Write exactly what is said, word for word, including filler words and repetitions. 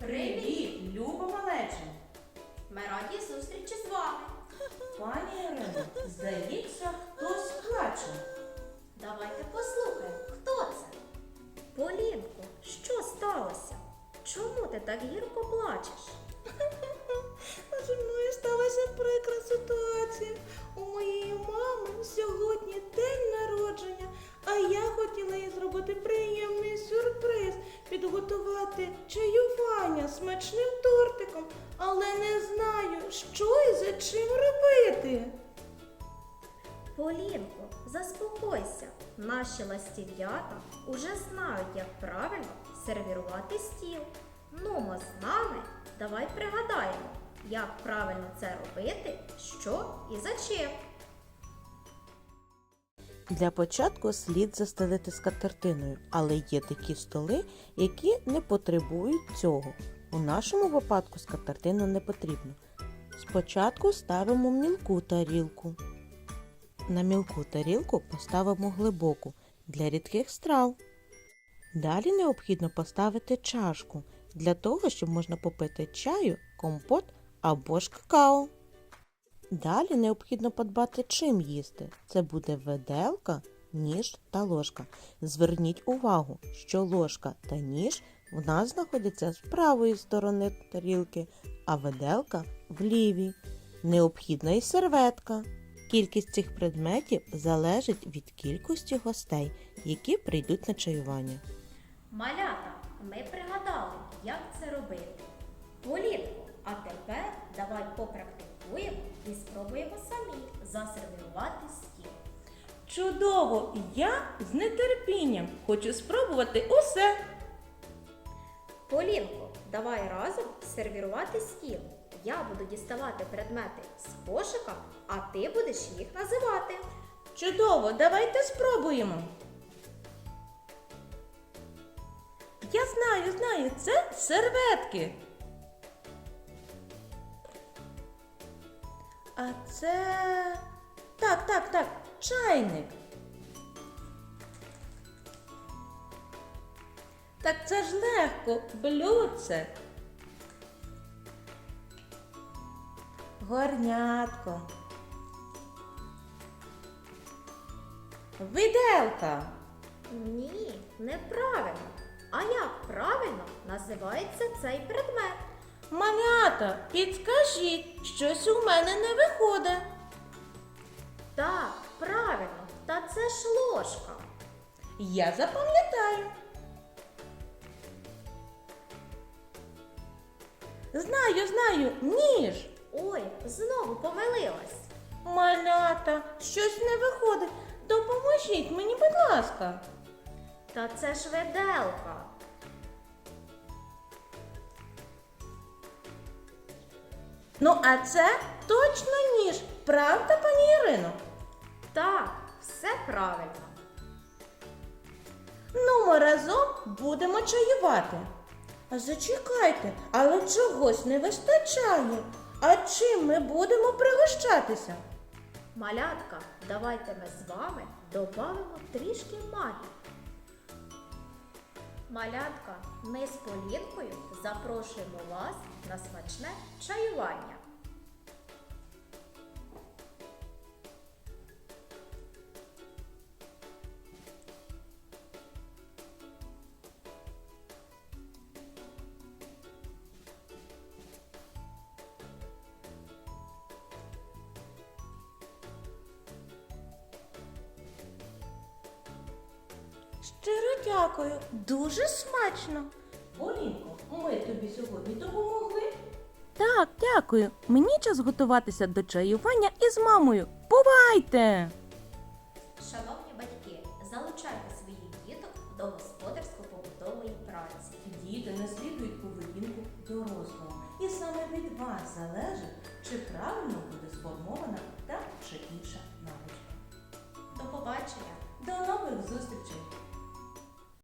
Привіт, Люба малеча! Ми раді зустрічі з вами. Пані Ірино, здається, хтось плаче. Давайте послухаємо, хто це? Полінко, що сталося? Чому ти так гірко плачеш? А зі мною сталася прикра ситуація. У моєї мами сьогодні день народження, а я хотіла їй зробити приємний сюрприз, підготувати чаювання смачним тортиком, але не знаю, що і за чим робити. Полінко, заспокойся. Наші ластів'ята уже знають, як правильно сервірувати стіл. Нумо з нами, давай пригадаємо, як правильно це робити, що і за чим. Для початку слід застелити скатертиною, але є такі столи, які не потребують цього. У нашому випадку скатертина не потрібна. Спочатку ставимо мілку тарілку. На мілку тарілку поставимо глибоку для рідких страв. Далі необхідно поставити чашку для того, щоб можна попити чаю, компот або ж какао. Далі необхідно подбати, чим їсти. Це буде виделка, ніж та ложка. Зверніть увагу, що ложка та ніж в нас знаходяться з правої сторони тарілки, а виделка в лівій. Необхідна і серветка. Кількість цих предметів залежить від кількості гостей, які прийдуть на чаювання. Малята, ми пригадали, як це робити. Полінко, а тепер давай попрактикуємо і спробуємо самі засервірувати стіл. Чудово! Я з нетерпінням хочу спробувати усе. Полінко, давай разом сервірувати стіл. Я буду діставати предмети з кошика, а ти будеш їх називати. Чудово, давайте спробуємо. Я знаю, знаю, це серветки. А це... Так, так, так, чайник. Так це ж легко, блюдце. Горнятко. Виделка. Ні, неправильно. А як правильно називається цей предмет? Малята, підскажіть, щось у мене не виходить. Так, правильно, та це ж ложка. Я запам'ятаю. Знаю, знаю, ніж. Ой, знову помилилась. Малята, щось не виходить. Допоможіть мені, будь ласка. Та це ж виделка. Ну, а це точно ніж. Правда, пані Ірино? Так, все правильно. Ну, ми разом будемо чаювати. А зачекайте, але чогось не вистачає. А чим ми будемо пригощатися? Малятка, давайте ми з вами додамо трішки магії. Малятка, ми з Полінкою запрошуємо вас на смачне чаювання. Щиро дякую, дуже смачно. Полінко, ми тобі сьогодні допомогли? Так, дякую. Мені час готуватися до чаювання із мамою. Бувайте! Шановні батьки, залучайте своїх діток до господарсько-побутової праці. Діти наслідують поведінку дорослого. І саме від вас залежить, чи правильно буде сформована та чи інша навичка. До побачення! До нових зустрічей!